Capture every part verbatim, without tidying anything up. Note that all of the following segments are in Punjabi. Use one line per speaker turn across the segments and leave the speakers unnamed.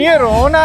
ये रोना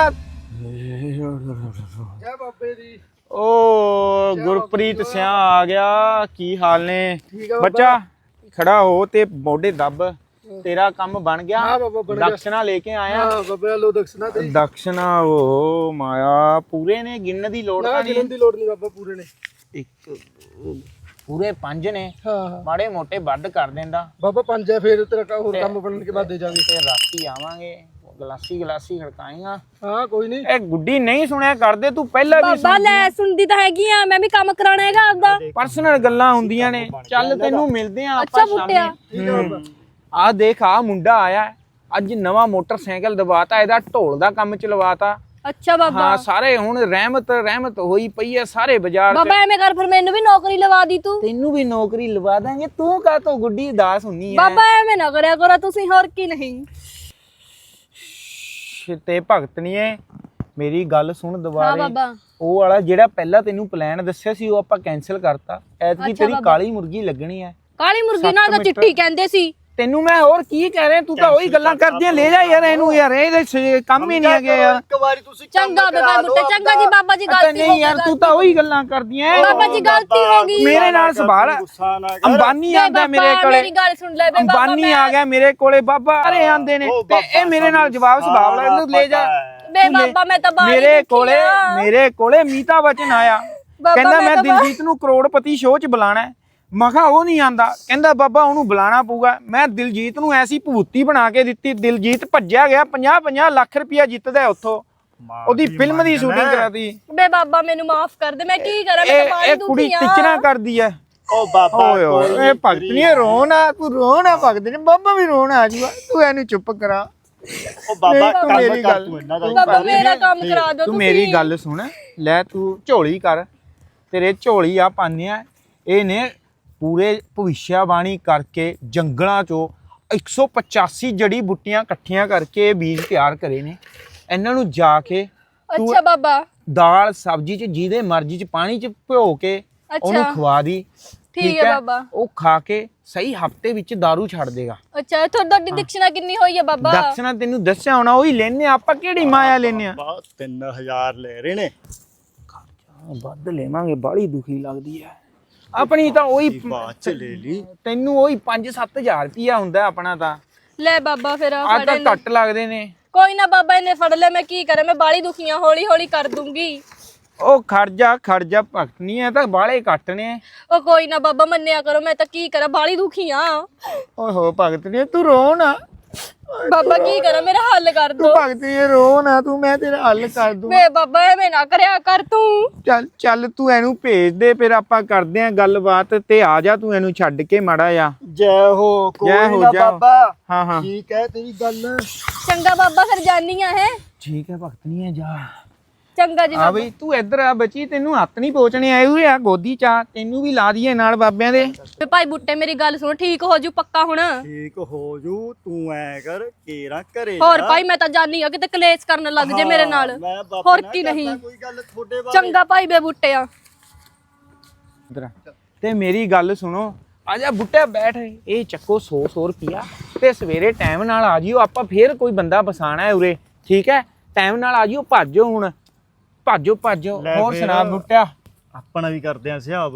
ओ गुरप्रीत सिया आ गया की हाल ने बच्चा खड़ा हो ते मोढे दब तेरा काम बन गया दक्षिणा लेके आया दक्षिणा ओ माया पूरे ने गिनने दी लोड़
गिनने दी लोड़ नहीं बाबा पूरे ने
एक पूरे पंज ने माड़े मोटे ਵੱਧ कर देंदा
बाबा पंज है फिर तेरा और काम बनने के बाद दे जाएंगे
फिर राती आवांगे ਗਲਾਸੀ ਗਲਾਸੀ ਖੜਕਾਏਗਾ
ਹਾਂ ਕੋਈ ਨਹੀਂ
ਇਹ ਗੁੱਡੀ ਨਹੀਂ ਸੁਣਿਆ ਕਰਦੇ ਤੂੰ ਪਹਿਲਾਂ ਵੀ
ਬਾਬਾ ਲੈ ਸੁਣਦੀ ਤਾਂ ਹੈਗੀ ਆ ਮੈਂ ਵੀ ਕੰਮ ਕਰਾਣਾ ਹੈਗਾ ਆਪਦਾ
ਪਰਸਨਲ ਗੱਲਾਂ ਹੁੰਦੀਆਂ ਨੇ ਚੱਲ ਤੈਨੂੰ ਮਿਲਦੇ ਆ
ਅੱਛਾ ਬੁੱਟਿਆ
ਆ ਦੇਖ ਆ ਮੁੰਡਾ ਆਇਆ ਅੱਜ ਨਵਾਂ ਮੋਟਰਸਾਈਕਲ ਦਵਾਤਾ ਇਹਦਾ ਢੋਲ ਦਾ ਕੰਮ ਚਲਵਾਤਾ
ਅੱਛਾ ਬਾਬਾ
ਹਾਂ ਸਾਰੇ ਹੁਣ ਰਹਿਮਤ ਰਹਿਮਤ ਹੋਈ ਪਈ ਐ ਸਾਰੇ ਬਾਜ਼ਾਰ ਚ
ਬਾਬਾ ਐਵੇਂ ਕਰ ਫਿਰ ਮੈਨੂੰ ਵੀ ਨੌਕਰੀ ਲਵਾ ਦੀ ਤੂੰ
ਤੈਨੂੰ ਵੀ ਨੌਕਰੀ ਲਵਾ ਦਾਂਗੇ ਤੂੰ ਕਾ ਤੋਂ ਗੁੱਡੀ ਉਦਾਸ ਹੁੰਨੀ ਐ
ਬਾਬਾ ਐਵੇਂ ਨਾ ਕਰਿਆ ਕਰੋ ਤੁਸੀਂ ਹੋਰ ਕੀ ਨਹੀਂ
ਤੇ ਭਗਤਣੀਏ ਮੇਰੀ ਗੱਲ ਸੁਣ
ਹਾਂ
ਦੁਬਾਰੇ
ਬਾਬਾ
ਉਹ ਵਾਲਾ ਜਿਹੜਾ ਪਹਿਲਾਂ ਤੈਨੂੰ ਪਲਾਨ ਦੱਸਿਆ ਸੀ ਉਹ ਆਪਾਂ ਕੈਨਸਲ ਕਰਤਾ ਐਤਕੀ ਤੇਰੀ ਕਾਲੀ ਮੁਰਗੀ ਲੱਗਣੀ ਐ
ਕਾਲੀ ਮੁਰਗੀ ਨਾਲ ਤਾਂ ਚਿੱਟੀ ਕਹਿੰਦੇ ਸੀ
ਤੈਨੂੰ ਮੈਂ ਹੋਰ ਕੀ ਕਹਿ ਰਿਹਾ ਤੂੰ ਤਾਂ ਉਹੀ ਗੱਲਾਂ ਕਰਦੀਆਂ ਲੈ ਜਾ ਯਾਰ ਇਹਨੂੰ ਯਾਰ ਇਹਦੇ ਕੰਮ ਹੀ ਨਹੀਂ ਹੈਗੇ ਯਾਰ
ਇੱਕ ਵਾਰੀ ਤੁਸੀਂ
ਚੰਗਾ ਬਾਬਾ ਮੁੱਟੇ ਚੰਗਾ ਜੀ ਬਾਬਾ ਜੀ ਗਲਤੀ
ਨਹੀਂ ਯਾਰ ਤੂੰ ਤਾਂ ਉਹੀ ਗੱਲਾਂ ਕਰਦੀਆਂ
ਬਾਬਾ ਜੀ ਗਲਤੀ ਹੋ ਗਈ
ਮੇਰੇ ਨਾਲ ਸਵਾਲ ਅੰਬਾਨੀ ਆਂਦਾ ਮੇਰੇ ਕੋਲੇ
ਮੇਰੀ ਗੱਲ ਸੁਣ ਲੈ ਬੇ ਬਾਬਾ
ਅੰਬਾਨੀ ਆ ਗਿਆ ਮੇਰੇ ਕੋਲੇ ਬਾਬਾ ਅਰੇ ਆਂਦੇ ਨੇ ਤੇ ਇਹ ਮੇਰੇ ਨਾਲ ਜਵਾਬ ਸਵਾਲ ਲੈ ਇਹਨੂੰ ਲੈ ਜਾ
ਬੇ ਬਾਬਾ ਮੈਂ ਤਾਂ ਬਾਹਰ
ਮੇਰੇ ਕੋਲੇ ਮੇਰੇ ਕੋਲੇ ਮੀਤਾ ਬਚਨ ਆਇਆ ਕਹਿੰਦਾ ਮੈਂ ਦਿਲਜੀਤ ਨੂੰ ਕਰੋੜਪਤੀ ਸ਼ੋਅ 'ਚ ਬੁਲਾਣਾ ਮੈਂ ਕਿਹਾ ਉਹ ਨਹੀਂ ਆਂਦਾ ਕਹਿੰਦਾ ਬਾਬਾ ਉਹਨੂੰ ਬੁਲਾਣਾ ਪਊਗਾ ਮੈਂ ਦਿਲਜੀਤ ਨੂੰ ਐਸੀ ਭੂਤੀ ਬਣਾ ਕੇ ਦਿੱਤੀ ਦਿਲਜੀਤ ਭੱਜਿਆ ਗਿਆ ਪੰਜਾਹ ਪੰਜਾਹ ਲੱਖ ਰੁਪਇਆ ਜਿੱਤਦਾ ਉੱਥੋਂ ਉਹਦੀ ਫਿਲਮ ਦੀ ਸ਼ੂਟਿੰਗ ਕਰਾਤੀ
ਬੇ ਬਾਬਾ ਮੈਨੂੰ ਮਾਫ ਕਰ ਦੇ ਮੈਂ ਕੀ ਕਰਾਂ ਮੈਂ ਤਾਂ ਬਾਹਰ
ਇਹ ਕੁੜੀ ਟਿਚਣਾ ਕਰਦੀ ਐ
ਓ ਬਾਬਾ
ਓਏ ਓਏ ਇਹ ਭਗਤਨੀ ਰੋਣਾ ਤੂੰ ਰੋਣਾ ਭਗਤਨੀ ਬਾਬਾ ਵੀ ਰੋਣਾ ਆ ਜੂਗਾ ਤੂੰ ਇਹਨੂੰ ਚੁੱਪ ਕਰਾ
ਓ ਬਾਬਾ
ਮੇਰੀ ਗੱਲ
ਤੂੰ ਇਹਨਾਂ ਦਾ
ਬਾਬਾ ਮੇਰਾ ਕੰਮ ਕਰਾ ਦਿਓ
ਤੂੰ ਮੇਰੀ ਗੱਲ ਸੁਣ ਲੈ ਤੂੰ ਝੋਲੀ ਕਰ ਤੇਰੇ ਝੋਲੀ ਆ ਪਾਉਂਦੇ ਆ ਇਹ ਨੇ ਪੂਰੇ ਭਵਿੱਖਬਾਣੀ ਕਰਕੇ ਜੰਗਲਾਂ ਚੋਂ ਇੱਕ ਸੌ ਪਚਾਸੀ ਜੜੀ ਬੂਟੀਆਂ ਇਕੱਠੀਆਂ ਕਰਕੇ ਬੀਜ ਤਿਆਰ ਕਰੇ ਨੇ ਇਹਨਾਂ ਨੂੰ ਜਾ ਕੇ
ਅੱਛਾ ਬਾਬਾ
ਦਾਲ ਸਬਜ਼ੀ ਚ ਜਿਹਦੇ ਮਰਜ਼ੀ ਚ ਪਾਣੀ ਚ ਭਿਓ ਕੇ ਉਹਨੂੰ ਖਵਾ ਦੀ
ਠੀਕ ਹੈ ਬਾਬਾ
ਉਹ ਖਾ ਕੇ ਸਹੀ ਹਫਤੇ ਵਿੱਚ दारू ਛੱਡ ਦੇਗਾ
ਅੱਛਾ ਤੁਹਾਡੀ ਦਕਸ਼ਨਾ ਕਿੰਨੀ ਹੋਈ ਹੈ ਬਾਬਾ
ਦਕਸ਼ਨਾ ਤੈਨੂੰ ਦੱਸਿਆ ਹੋਣਾ ਉਹੀ ਲੈਨੇ ਆਪਾਂ ਕਿਹੜੀ ਮਾਇਆ ਲੈਨੇ ਆ
ਤਿੰਨ ਹਜ਼ਾਰ ਲੈ ਰਹੇ ਨੇ
ਵੱਧ ਲੈਵਾਂਗੇ ਬਾਹਲੀ ਦੁਖੀ ਲੱਗਦੀ ਹੈ ਆਪਣੀ ਤਾਂ ਉਹੀ
ਬਾਅਦ ਚ ਲੈ ਲਈ
ਤੈਨੂੰ ਉਹੀ ਪੰਜ ਸੱਤ ਹਜ਼ਾਰ ਰੁਪਿਆ ਹੁੰਦਾ ਆਪਣਾ ਤਾਂ
ਲੈ ਬਾਬਾ ਫਿਰ
ਆ ਤਾਂ ਘੱਟ ਲੱਗਦੇ ਨੇ
ਕੋਈ ਨਾ ਬਾਬਾ ਇਹਨੇ ਫੜ ਲੈ ਮੈਂ ਕੀ ਕਰਾਂ ਮੈਂ ਬਾਲੀ ਦੁਖੀਆਂ ਹੌਲੀ ਹੌਲੀ ਕਰ ਦੂੰਗੀ
ਉਹ ਖਰਜਾ ਖਰਜਾ ਭਗਤ ਨਹੀਂ ਹੈ ਤਾਂ ਬਾਲੇ ਘੱਟ ਨੇ
ਉਹ ਕੋਈ ਨਾ ਬਾਬਾ ਮੰਨਿਆ ਕਰੋ ਮੈਂ ਤਾਂ ਕੀ ਕਰਾਂ ਬਾਲੀ ਦੁਖੀਆਂ
ਓਏ ਹੋ ਭਗਤ ਨਹੀਂ ਤੂੰ ਰੋ ਨਾ
ਬਾਬਾ ਕੀ ਕਰਾਂ ਮੇਰਾ ਹੱਲ ਕਰ ਦੋ
ਭਗਤ ਨਹੀਂ ਰੋ ਨਾ ਤੂੰ ਮੈਂ ਤੇਰਾ ਹੱਲ ਕਰ ਦੂੰ
ਵੇ ਬਾਬਾ ਐਵੇਂ ਨਾ ਕਰਿਆ ਕਰ ਤੂੰ
ਚੱਲ ਚੱਲ ਤੂੰ ਇਹਨੂੰ ਭੇਜ ਦੇ ਫਿਰ ਆਪਾਂ ਕਰਦੇ ਆਂ ਗੱਲਬਾਤ ਤੇ ਆ ਜਾ ਤੂੰ ਇਹਨੂੰ ਛੱਡ ਕੇ ਮਾੜਾ ਜਾ
ਜੈ ਹੋ ਕੋਈ ਨਾ ਬਾਬਾ
ਹਾਂ ਹਾਂ
ਠੀਕ ਹੈ ਤੇਰੀ ਗੱਲ
ਚੰਗਾ ਬਾਬਾ ਫਿਰ ਜਾਨੀ ਆ ਹੈ
ਠੀਕ ਹੈ ਭਗਤ ਨਹੀਂ ਹੈ ਜਾ
ਚੰਗਾ ਜੀ
ਆ ਬਈ ਤੂੰ ਇੱਧਰ ਆ ਬੱਚੀ ਤੈਨੂੰ ਹੱਥ ਨਹੀਂ ਪਹੁੰਚਣੇ ਆਏ ਹੋਏ ਆ ਗੋਦੀ ਚਾ ਤੈਨੂੰ ਵੀ ਲਾ ਦਈਏ ਨਾਲ ਬਾਬਿਆਂ ਦੇ
ਵੇ ਭਾਈ ਬੁੱਟੇ ਮੇਰੀ ਗੱਲ ਸੁਣ ਠੀਕ ਹੋ ਜੂ ਪੱਕਾ ਹੁਣ
ਠੀਕ ਹੋ ਜੂ ਤੂੰ ਐ ਕਰ ਕੇਰਾ ਘਰੇ
ਹੋਰ ਭਾਈ ਮੈਂ ਤਾਂ ਜਾਨੀ ਆ ਕਿਤੇ ਕਲੇਸ਼ ਕਰਨ ਲੱਗ ਜੇ ਮੇਰੇ ਨਾਲ ਹੋਰ ਕੀ ਨਹੀਂ
ਕੋਈ ਗੱਲ ਤੁਹਾਡੇ ਬਾਰੇ
ਚੰਗਾ ਭਾਈ ਬੇ ਬੁੱਟਿਆ
ਇੱਧਰ ਤੇ ਮੇਰੀ ਗੱਲ ਸੁਣੋ ਆ ਜਾ ਬੁੱਟਿਆ ਬੈਠ ਇਹ ਚੱਕੋ ਸੌ ਸੌ ਰੁਪਿਆ ਤੇ ਸਵੇਰੇ ਟਾਈਮ ਨਾਲ ਆ ਜਿਓ ਆਪਾਂ ਫੇਰ ਕੋਈ ਬੰਦਾ ਬਸਾਣਾ ਹੈ ਉਰੇ ਠੀਕ ਹੈ ਟਾਈਮ ਨਾਲ ਆ ਜਿਓ ਭੱਜੋ ਹੁਣ ਭਾਜੋ ਭਾਜੋ ਹੋਰ ਸੁਣਾ ਬੁੱਟਿਆ
ਆਪਣਾ ਵੀ ਕਰਦੇ ਆ ਹਿਸਾਬ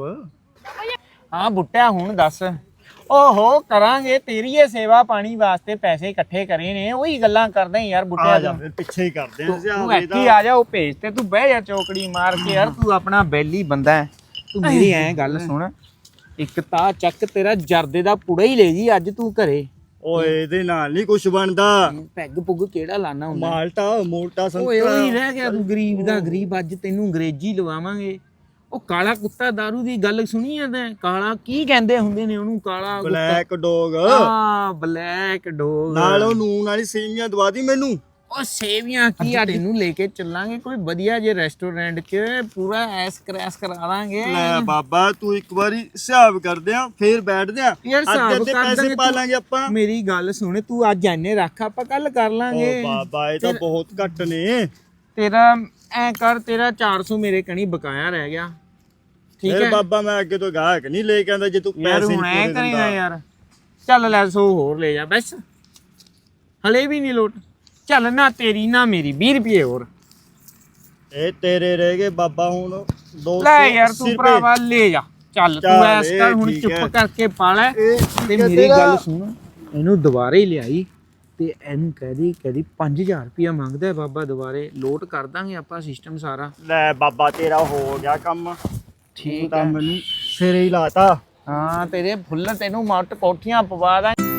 ਹਾਂ ਬੁੱਟਿਆ ਹੁਣ ਦੱਸ ਓਹੋ ਕਰਾਂਗੇ ਤੇਰੀ ਇਹ ਸੇਵਾ ਪਾਣੀ ਵਾਸਤੇ ਪੈਸੇ ਇਕੱਠੇ ਕਰੇ ਨੇ ਉਹੀ ਗੱਲਾਂ ਕਰਦਾ ਯਾਰ ਬੁੱਟਿਆ
ਜਾ ਫਿਰ ਪਿੱਛੇ ਹੀ ਕਰਦੇ ਆ ਹਿਸਾਬ
ਤੂੰ ਐਕੀ ਆ ਜਾ ਉਹ ਭੇਜ ਤੇ ਤੂੰ ਬਹਿ ਜਾ ਚੌਕੜੀ ਮਾਰ ਕੇ ਯਾਰ ਤੂੰ ਆਪਣਾ ਬੈਲੀ ਬੰਦਾ ਹੈ ਤੂੰ ਮੇਰੀ ਐ ਗੱਲ ਸੁਣ ਇੱਕ ਤਾਂ ਚੱਕ ਤੇਰਾ ਜਰਦੇ ਦਾ ਪੁੜਾ ਹੀ ਲੈ ਜੀ ਅੱਜ ਤੂੰ ਘਰੇ
ਓਏ ਇਹਦੇ ਨਾਲ ਨਹੀਂ ਕੁਝ ਬਣਦਾ
ਪੈਗ ਪੁੱਗ ਕਿਹੜਾ ਲਾਣਾ ਹੁੰਦਾ
ਮਾਲਟਾ ਮੋਟਾ
ਓਏ
ਸੰਤਰਾ
ਉਹੀ ਰਹਿ ਗਿਆ ਤੂੰ ਗਰੀਬ ਦਾ ਗਰੀਬ ਅੱਜ ਤੈਨੂੰ ਅੰਗਰੇਜ਼ੀ ਲਵਾਵਾਂਗੇ ਉਹ ਕਾਲਾ ਕੁੱਤਾ ਦਾਰੂ ਦੀ ਗੱਲ ਸੁਣੀ ਆ ਤੈਂ ਕਾਲਾ ਕੀ ਕਹਿੰਦੇ ਹੁੰਦੇ ਨੇ ਉਹਨੂੰ ਕਾਲਾ
ਬਲੈਕ ਡੌਗ
ਹਾਂ ਬਲੈਕ ਡੌਗ
ਨਾਲ ਉਹ ਨੂਨ ਵਾਲੀ ਸੇਵੀਆਂ ਦਵਾ ਦੀ ਮੈਨੂੰ
ਉਹ ਸੇਵੀਆਂ ਕੀ ਆ ਤੈਨੂੰ ਲੈ ਕੇ ਚੱਲਾਂਗੇ ਕੋਈ ਵਧੀਆ ਜੇ ਰੈਸਟੋਰੈਂਟ 'ਚ ਪੂਰਾ ਐਸ ਕਰੈਸ ਕਰਾ ਦਾਂਗੇ
ਲੈ ਬਾਬਾ ਤੂੰ ਇੱਕ ਵਾਰੀ ਹਿਸਾਬ ਕਰਦੇ ਆ ਫੇਰ ਬੈਠਦੇ ਆ
ਯਾਰ ਹਿਸਾਬ ਕਰ
ਪੈਸੇ ਪਾ ਲਾਂਗੇ ਆਪਾਂ
ਮੇਰੀ ਗੱਲ ਸੁਣ ਤੂੰ ਅੱਜ ਐਨੇ ਰੱਖ ਆਪਾਂ ਕੱਲ ਕਰ ਲਾਂਗੇ
ਓ ਬਾਬਾ ਇਹ ਤਾਂ ਬਹੁਤ ਘੱਟ ਨੇ
ਤੇਰਾ ਐ ਕਰ ਤੇਰਾ ਚਾਰ ਸੌ ਮੇਰੇ ਕਣੀ ਬਕਾਇਆ ਰਹਿ ਗਿਆ ਠੀਕ
ਫਿਰ
ਹੈ
ਬਾਬਾ ਮੈਂ ਅੱਗੇ ਤੋਂ ਗਾਹਕ ਨਹੀਂ ਲੈ ਕੇ ਆਂਦਾ ਜੇ ਤੂੰ
ਯਾਰ
ਪੈਸੇ
ਹੁਣ
ਨਹੀਂ
ਐ
ਪੂਰੇ
ਕਰੇਗਾ
ਦਿੰਦਾ
ਯਾਰ ਚੱਲ ਲੈ ਸੌ ਹੋਰ ਲੈ ਜਾ ਬਸ ਹਲੇ ਵੀ ਨਹੀਂ ਲੋਟ ਚੱਲ ਨਾ ਤੇਰੀ ਨਾ ਮੇਰੀ ਵੀਹ ਰੁਪਏ ਹੋਰ
ਇਹ ਤੇਰੇ ਰਹਿ ਗਏ ਬਾਬਾ ਹੁਣ ਦੋ ਸੌ
ਲੈ ਯਾਰ ਤੂੰ
ਅੱਸੀ
ਭਰਾਵਾ ਲੈ ਜਾ ਚੱਲ ਤੂੰ
ਚੱਲ
ਐਸ ਕਰ
ਇਹ
ਹੁਣ
ਠੀਕ
ਚੁੱਪ
ਹੈ।
ਕਰਕੇ ਪਾ ਲੈ
ਇਹ
ਤੇ
ਠੀਕ ਹੈ
ਮੇਰੀ
ਤੇਰਾ।
ਗੱਲ ਸੁਣ ਇਹਨੂੰ ਦੁਬਾਰੇ ਹੀ ਲਿਆਈ ਤੇ ਇਹਨੂੰ ਕਹਦੀ ਕਹਦੀ ਪੰਜ ਹਜ਼ਾਰ ਰੁਪਇਆ ਮੰਗਦਾ ਹੈ ਬਾਬਾ ਦੁਬਾਰੇ ਲੋਟ ਕਰ ਦਾਂਗੇ ਆਪਾਂ ਸਿਸਟਮ ਸਾਰਾ
ਲੈ ਬਾਬਾ ਤੇਰਾ ਹੋ ਗਿਆ ਕੰਮ
ਠੀਕ
ਤਾਂ
ਹੈ
ਮੈਨੂੰ ਸਿਰੇ ਹੀ ਲਾਤਾ
ਹਾਂ ਤੇਰੇ ਫੁੱਲ ਤੈਨੂੰ ਮੱਟ ਕੋਠੀਆਂ ਪਵਾ ਦਾਂ